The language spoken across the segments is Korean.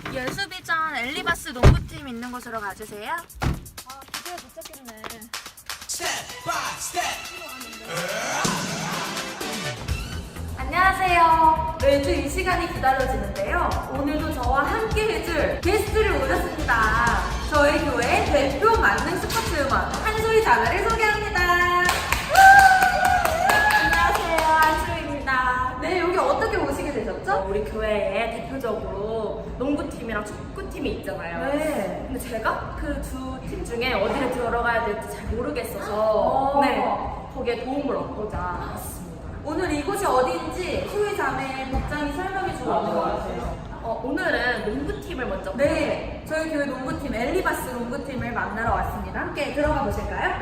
예수비전 엘리바스 농구팀 있는 곳으로 가주세요. 아, 기대가 도착했네. 안녕하세요. 매주 이 시간이 기다려지는데요. 오늘도 저와 함께 해줄 게스트를 모셨습니다. 저희 교회 대표 만능 스포츠 음원 한소희 자매를 소개합니다. 안녕하세요. 한소희입니다. 네, 여기 어떻게 오시게 되셨죠? 우리 교회에 대표적으로 농구팀이랑 축구팀이 있잖아요. 네. 근데 제가 그 두 팀 중에 어디를 들어가야 될지 잘 모르겠어서 네, 거기에 도움을 얻고자 왔습니다. 오늘 이곳이 어디인지 소희 자매 복장이 설명해 주고 있는 것 같아요. 오늘은 농구팀을 먼저 네, 저희 교회 농구팀 엘리바스 농구팀을 만나러 왔습니다. 함께 들어가 보실까요?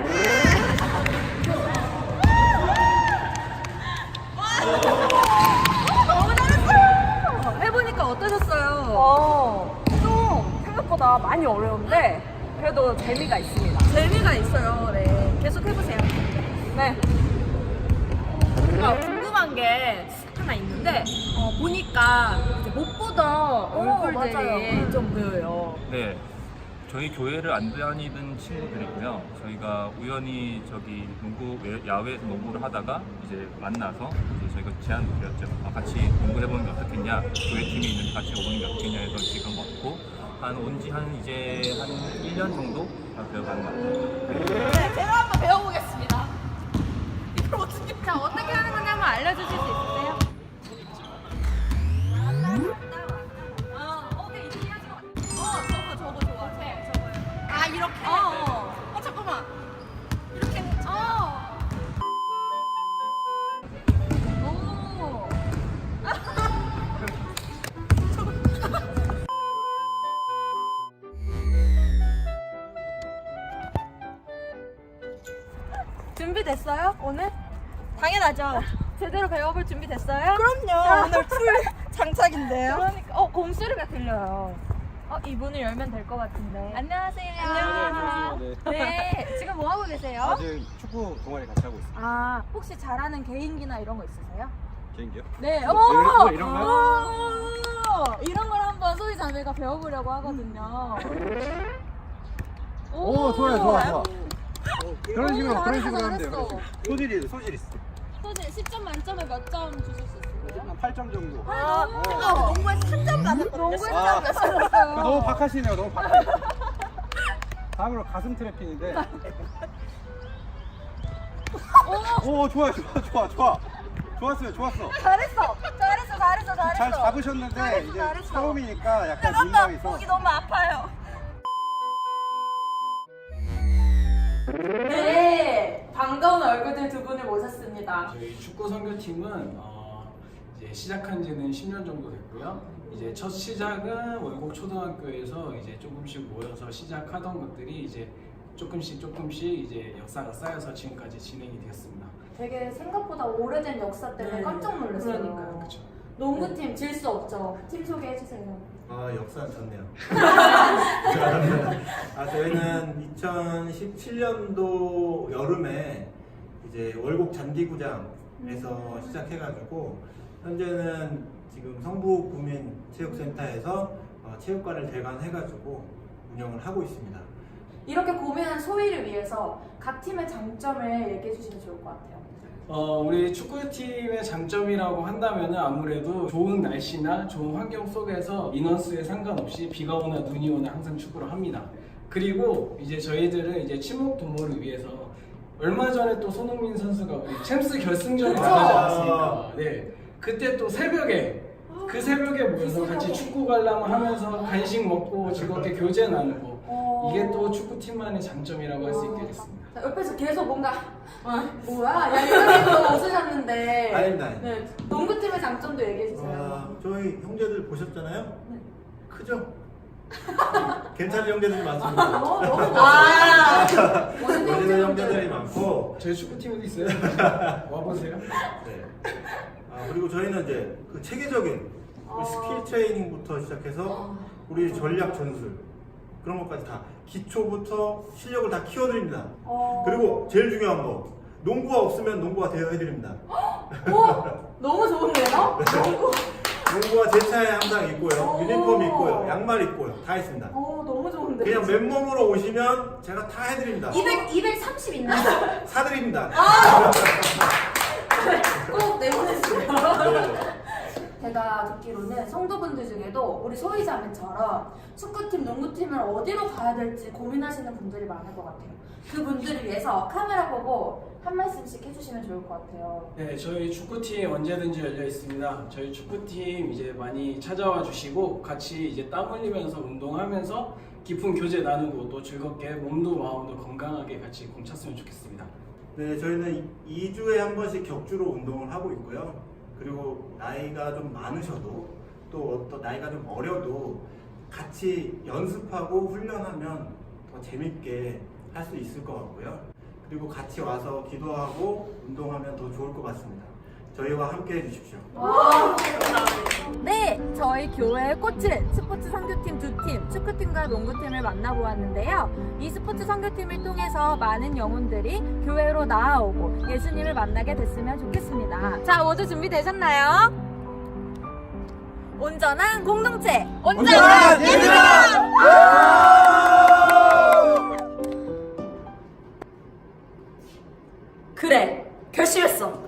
너무 잘했어요. 해보니까 어떠셨어요? 좀 생각보다 많이 어려운데 그래도 재미가 있습니다. 재미가 있어요. 네, 계속 해보세요. 네. 궁금한 게 하나 있는데 보니까 이제 못 보던 얼굴들이 맞아요. 좀 보여요. 네, 저희 교회를 안 다니던 친구들이고요. 저희가 우연히 저기 야외에서 농구를 하다가 이제 만나서 이제 저희가 제안을 드렸죠. 같이 농구해보는 게 어떻겠냐, 교회 팀이 있는데 같이 오는 게 어떻겠냐 해서 지금 왔고 온지 이제 한 1년 정도 되어가는 것 같아요. 네, 제가 한번 배워보겠습니다. 자, 어떻게 하는 건지 한번 알려주실 수 있으세요? 저거 좋아. 저거요. 아, 이렇게? 잠깐만. 이렇게. 오. 준비됐어요? 오늘? 당연하죠. 제대로 배워볼 준비 됐어요? 그럼요. 오늘 풀 장착인데요. 그러니까 곰소리가 들려요. 이 문을 열면 될 것 같은데. 안녕하세요. 안녕하세요. 네, 지금 뭐 하고 계세요? 지금 축구 동아리 같이 하고 있어요. 아, 혹시 잘하는 개인기나 이런 거 있으세요? 개인기요? 네. 이런 거요? 이런 걸 한번 소희 자매가 배워보려고 하거든요. 오, 좋아요, 좋아, 좋아. 그런 식으로 잘했어, 하면 돼요. 잘했어. 소질 있어. 소진 10점 만점에 몇 점 주실 수 있어요? 한 8점 정도. 농구에서 3점 받았거든요. 농구에 아. 땀 너무 박하시네요, 너무 박하시네요. 다음으로 가슴 트래핑인데. 오, 좋아요, 좋아. 좋았어. 잘했어. 잘 잡으셨는데, 잘했어, 이제 잘했어. 처음이니까 약간 민망이 있어. 목이 너무 아파요. 네, 반가운 얼굴들 두 분을 모셨습니다. 저희 축구 선교팀은 이제 시작한 지는 10년 정도 됐고요. 이제 첫 시작은 월곡 초등학교에서 이제 조금씩 모여서 시작하던 것들이 이제 조금씩 이제 역사가 쌓여서 지금까지 진행이 되었습니다. 되게 생각보다 오래된 역사 때문에 깜짝 놀랐어요. 그러니까요, 그렇죠. 농구팀 질 수 없죠. 팀 소개해주세요. 역사는 좋네요. 저희는 2017년도 여름에 이제 월곡 잔디구장에서 시작해가지고 현재는 지금 성북 구민체육센터에서 체육관을 대관해가지고 운영을 하고 있습니다. 이렇게 고민한 소희를 위해서 각 팀의 장점을 얘기해 주시면 좋을 것 같아요. 우리 축구팀의 장점이라고 한다면은 아무래도 좋은 날씨나 좋은 환경 속에서 인원수에 상관없이 비가 오나 눈이 오나 항상 축구를 합니다. 그리고 이제 저희들은 이제 친목 동호를 위해서 얼마 전에 또 손흥민 선수가 우리 챔스 결승전에 나가지 않았습니까? 네. 그때 또 새벽에 그 새벽에 모여서 같이 축구 관람 하면서 간식 먹고 즐겁게 교제 나누고 이게 또 축구팀만의 장점이라고 할 수 있게 됐습니다. 자, 옆에서 계속 뭔가 뭐야? 약간에서 웃으셨는데 아닙니다. 네, 농구팀의 장점도 얘기해 주세요. 저희 형제들 보셨잖아요? 네. 크죠? 괜찮은 형제들이 많습니다. 너무 멋있는 형제들이 많고 저희 축구팀에도 있어요. 와보세요. 네. 그리고 저희는 이제 그 체계적인 우리 스킬 트레이닝부터 시작해서 우리 전략 전술 그런 것까지 다 기초부터 실력을 다 키워드립니다. 그리고 제일 중요한 거 농구가 없으면 농구가 되어 해드립니다. 너무 좋은데요? 농구 친구가 제 차에 항상 있고요. 유니폼 있고요. 양말 있고요. 다 있습니다. 너무 좋은데. 그냥 맨몸으로 오시면 제가 다 해드립니다. 230 있나요? 사드립니다. 꼭 내보내주세요. 네. 제가 듣기로는 성도분들 중에도 우리 소희자매처럼 축구팀, 농구팀을 어디로 가야 될지 고민하시는 분들이 많을 것 같아요. 그분들을 위해서 카메라 보고 한 말씀씩 해주시면 좋을 것 같아요. 네, 저희 축구팀 언제든지 열려 있습니다. 저희 축구팀 이제 많이 찾아와 주시고 같이 이제 땀 흘리면서 운동하면서 깊은 교제 나누고 또 즐겁게 몸도 마음도 건강하게 같이 공찼으면 좋겠습니다. 네, 저희는 2주에 한 번씩 격주로 운동을 하고 있고요. 그리고 나이가 좀 많으셔도 또 어떤 나이가 좀 어려도 같이 연습하고 훈련하면 더 재밌게 할 수 있을 것 같고요. 그리고 같이 와서 기도하고 운동하면 더 좋을 것 같습니다. 저희와 함께 해주십시오. 네, 저희 교회의 꽃은 스포츠 선교팀 2팀, 축구팀과 농구팀을 만나보았는데요. 이 스포츠 선교팀을 통해서 많은 영혼들이 교회로 나아오고 예수님을 만나게 됐으면 좋겠습니다. 자, 모두 준비되셨나요? 온전한 공동체, 온전한 얘들아! 그래, 결심했어.